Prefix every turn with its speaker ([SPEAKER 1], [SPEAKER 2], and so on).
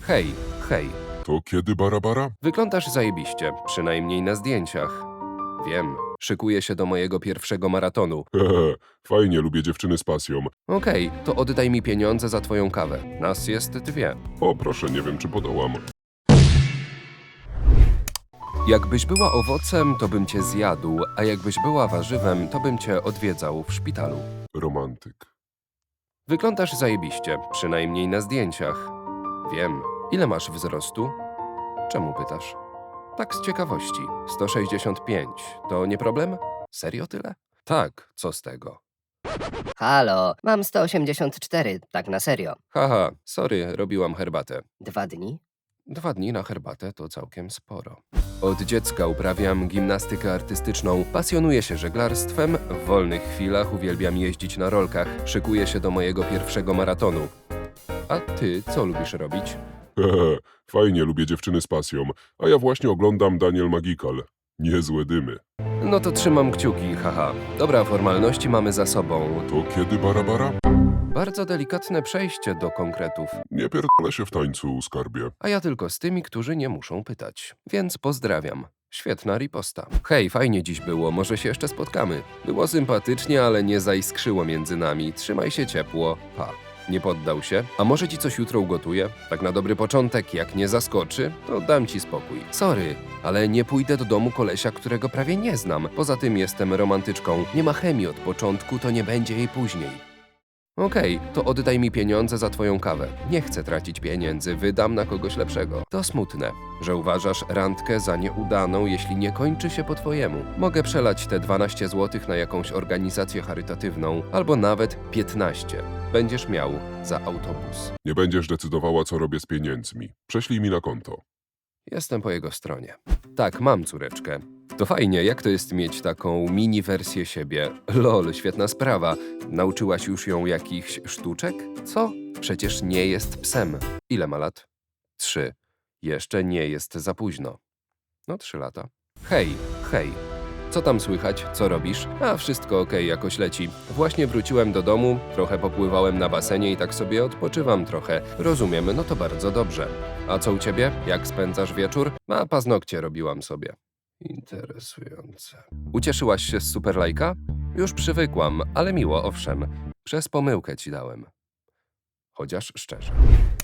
[SPEAKER 1] Hej, hej.
[SPEAKER 2] To kiedy Barabara?
[SPEAKER 1] Wyglądasz zajebiście, przynajmniej na zdjęciach. Wiem, szykuję się do mojego pierwszego maratonu.
[SPEAKER 2] Hehe, fajnie, lubię dziewczyny z pasją.
[SPEAKER 1] Okej, to oddaj mi pieniądze za twoją kawę. Nas jest 2.
[SPEAKER 2] O, proszę, nie wiem, czy podołam.
[SPEAKER 1] Jakbyś była owocem, to bym cię zjadł, a jakbyś była warzywem, to bym cię odwiedzał w szpitalu.
[SPEAKER 2] Romantyk.
[SPEAKER 1] Wyglądasz zajebiście, przynajmniej na zdjęciach. Wiem. Ile masz wzrostu? Czemu pytasz? Tak z ciekawości. 165. To nie problem? Serio tyle? Tak, co z tego?
[SPEAKER 3] Halo, mam 184, tak na serio.
[SPEAKER 1] Haha, sorry, robiłam herbatę.
[SPEAKER 3] 2 dni?
[SPEAKER 1] 2 dni na herbatę to całkiem sporo. Od dziecka uprawiam gimnastykę artystyczną, pasjonuję się żeglarstwem, w wolnych chwilach uwielbiam jeździć na rolkach, szykuję się do mojego pierwszego maratonu. A ty co lubisz robić?
[SPEAKER 2] Hehe, fajnie, lubię dziewczyny z pasją. A ja właśnie oglądam Daniel Magical. Niezłe dymy.
[SPEAKER 1] No to trzymam kciuki, haha. Dobra, formalności mamy za sobą.
[SPEAKER 2] To kiedy Barabara?
[SPEAKER 1] Bardzo delikatne przejście do konkretów.
[SPEAKER 2] Nie pierdolę się w tańcu, skarbie.
[SPEAKER 1] A ja tylko z tymi, którzy nie muszą pytać. Więc pozdrawiam. Świetna riposta. Hej, fajnie dziś było, może się jeszcze spotkamy. Było sympatycznie, ale nie zaiskrzyło między nami. Trzymaj się ciepło. Pa. Nie poddał się? A może ci coś jutro ugotuję? Tak na dobry początek, jak nie zaskoczy, to dam ci spokój. Sorry, ale nie pójdę do domu kolesia, którego prawie nie znam. Poza tym jestem romantyczką. Nie ma chemii od początku, to nie będzie jej później. Okej, to oddaj mi pieniądze za twoją kawę. Nie chcę tracić pieniędzy, wydam na kogoś lepszego. To smutne, że uważasz randkę za nieudaną, jeśli nie kończy się po twojemu. Mogę przelać te 12 zł na jakąś organizację charytatywną, albo nawet 15. Będziesz miał za autobus.
[SPEAKER 2] Nie będziesz decydowała, co robię z pieniędzmi. Prześlij mi na konto.
[SPEAKER 1] Jestem po jego stronie. Tak, mam córeczkę. To fajnie, jak to jest mieć taką mini wersję siebie? Lol, świetna sprawa. Nauczyłaś już ją jakichś sztuczek? Co? Przecież nie jest psem. Ile ma lat? 3. Jeszcze nie jest za późno. No 3 lata. Hej, hej. Co tam słychać? Co robisz? A wszystko okej, jakoś leci. Właśnie wróciłem do domu, trochę popływałem na basenie i tak sobie odpoczywam trochę. Rozumiem, no to bardzo dobrze. A co u ciebie? Jak spędzasz wieczór? A paznokcie robiłam sobie. Interesujące. Ucieszyłaś się z superlajka? Już przywykłam, ale miło, owszem. Przez pomyłkę ci dałem. Chociaż szczerze.